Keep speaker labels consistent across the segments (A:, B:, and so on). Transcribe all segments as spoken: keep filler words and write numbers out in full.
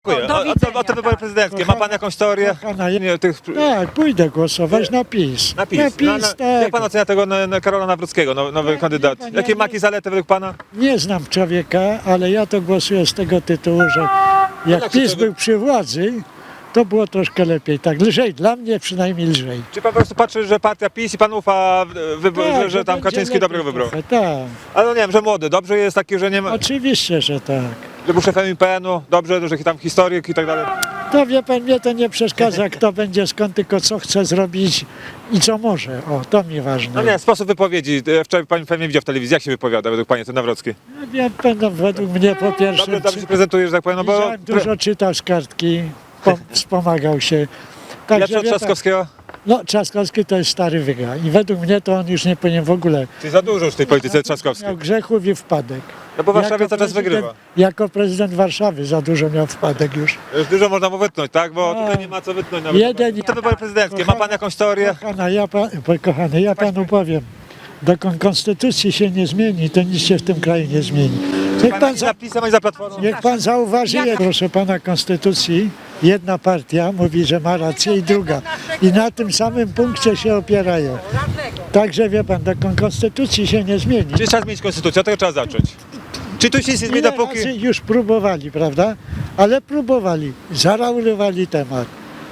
A: Dziękuję.
B: Do
A: A, a,
B: widzenia,
A: a te wybory
B: tak.
A: prezydenckie, ma pan jakąś teorię?
C: Kochana, ja-
A: Nie, tych...
C: Tak, pójdę głosować na PiS.
A: Na PiS.
C: Na PiS,
A: Na, na,
C: tak.
A: jak pan ocenia tego na, na Karola Nawrockiego, no, nowy
C: Ja-
A: kandydat?
C: ja- ja
A: Jakie
C: nie-
A: maki zalety według pana?
C: Nie znam człowieka, ale ja to głosuję z tego tytułu, że jak
A: jak się
C: PiS
A: to-
C: był przy władzy, to było troszkę lepiej. Tak, lżej, dla mnie przynajmniej lżej.
A: Czy pan po prostu patrzy, że partia PiS i pan ufa, wybo-
C: Tak,
A: że, że tam
C: będzie
A: Kaczyński
C: lepiej
A: dobrego wybrał?
C: trochę, tak,
A: Ale no nie wiem, że młody, dobrze jest taki, że nie ma,
C: oczywiście, że tak.
A: że był szefem I P N-u, dobrze, że tam historyk i tak dalej.
C: To wie pan, mnie to nie przeszkadza, kto będzie skąd, tylko co chce zrobić i co może. O, to mi ważne.
A: No nie, sposób wypowiedzi, e, wczoraj pani pewnie widział w telewizji, jak się wypowiada według pani ten Nawrocki?
C: Ja będę według mnie po pierwsze,
A: Dobrze, dobrze się prezentuje, że tak powiem, no bo...
C: widziałem, dużo czytał z kartki, pom- wspomagał się. Także
A: Lepszy od
C: wie pan,
A: Trzaskowskiego?
C: no, Trzaskowski to jest stary wyga i według mnie to on już nie powinien w ogóle.
A: Czyli za dużo już w tej polityce Trzaskowskiej.
C: Miał grzechów i wpadek.
A: No bo w Warszawie
C: Jako
A: cały czas
C: prezydent-
A: wygrywa.
C: Jako prezydent Warszawy za dużo miał wpadek już.
A: Już dużo można mu wytnąć, tak? Bo
C: A.
A: tutaj nie ma co wytnąć nawet.
C: Jeden-
A: Te wybory prezydenckie, ma pan jakąś teorię?
C: Kochana, ja, pa, po- kochany, ja panu powiem, dokąd konstytucji się nie zmieni, to nic się w tym kraju nie zmieni. Niech pan,
A: Ani
C: za,
A: za PiS-em, ani za Platformą?
C: niech pan zauważy,
B: Jaka?
C: proszę pana, konstytucji jedna partia mówi, że ma rację i druga. I na tym samym punkcie się opierają. Także wie pan, dokąd konstytucji się nie zmieni.
A: Czy trzeba zmienić konstytucję? Od tego trzeba zacząć. Czy tu się nie zmieni
C: Ile
A: dopóki...
C: razy już próbowali, prawda? Ale próbowali, zaraulowali temat.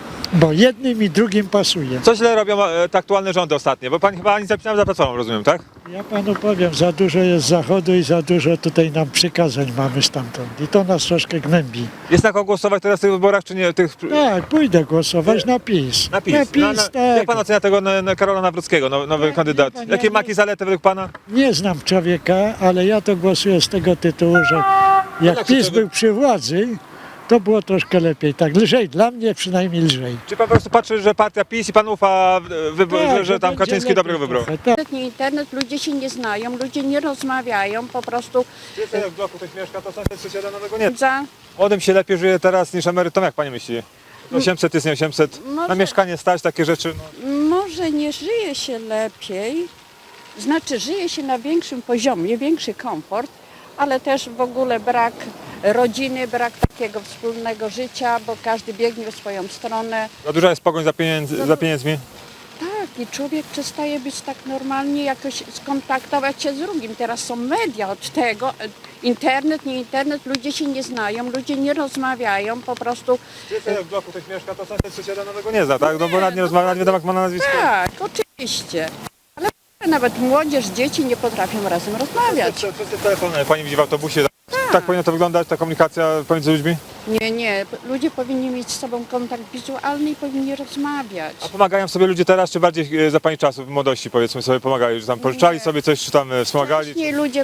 C: Bo jednym i drugim pasuje.
A: Co źle robią e, te aktualne rządy ostatnie? Bo pan chyba ani zapisał za Platformą, rozumiem, tak?
C: Ja panu powiem, za dużo jest z zachodu i za dużo tutaj nam przykazań mamy stamtąd. I to nas troszkę gnębi.
A: Jest na kogo głosować teraz w tych wyborach, czy nie? Tych...
C: Tak, pójdę głosować na PiS.
A: Na PiS.
C: Na PiS,
A: Na- na-
C: tak.
A: Jak pan ocenia tego na, na Karola Nawrockiego, no, nowy
C: Ja-
A: kandydat?
C: ja- ja-
A: Jakie
C: ja-
A: maki zalety według pana?
C: Nie znam człowieka, ale ja to głosuję z tego tytułu, że jak
A: jak się
C: PiS
A: to-
C: był przy władzy, to było troszkę lepiej. Tak, lżej, dla mnie przynajmniej lżej.
A: Czy pan po prostu patrzy, że partia PiS i pan ufa, wybo-
C: Tak,
A: że, że tam
C: będzie
A: Kaczyński
C: lepiej
A: dobrego wybrał?
C: trochę, tak.
B: Internet, nie internet, ludzie się nie znają, ludzie nie rozmawiają, po prostu
A: Czy jak w bloku ktoś mieszka, to sąsiad sąsiada nowego nie.
B: za...
A: Młodym się lepiej żyje teraz niż emerytom, jak pani myśli? osiemset jest nie osiemset, na
B: Może-
A: mieszkanie stać, takie rzeczy. No.
B: Może nie żyje się lepiej, znaczy żyje się na większym poziomie, większy komfort, ale też w ogóle brak rodziny, brak takiego wspólnego życia, bo każdy biegnie w swoją stronę.
A: Za duża jest pogoń za, pieniędzy, za pieniędzmi.
B: Tak, i człowiek przestaje być tak normalnie, jakoś skontaktować się z drugim. Teraz są media od tego, internet, nie internet, ludzie się nie znają, ludzie nie rozmawiają, po prostu
A: Czy jak w bloku ktoś mieszka, to sąsiad sąsiada nowego nie zna, tak? No bo nawet nie rozmawia, nie wiadomo jak ma na nazwisko.
B: tak, oczywiście. Ale nawet młodzież, dzieci nie potrafią razem rozmawiać.
A: Wszyscy wszyscy telefony, pani widzi w autobusie. Tak powinno to wyglądać, ta komunikacja pomiędzy ludźmi?
B: Nie, nie, ludzie powinni mieć z sobą kontakt wizualny i powinni rozmawiać.
A: A pomagają sobie ludzie teraz, czy bardziej e, za pani czasów, w młodości powiedzmy sobie pomagali, że tam pożyczali sobie coś, czy tam e, wspomagali?
B: Wcześniej ludzie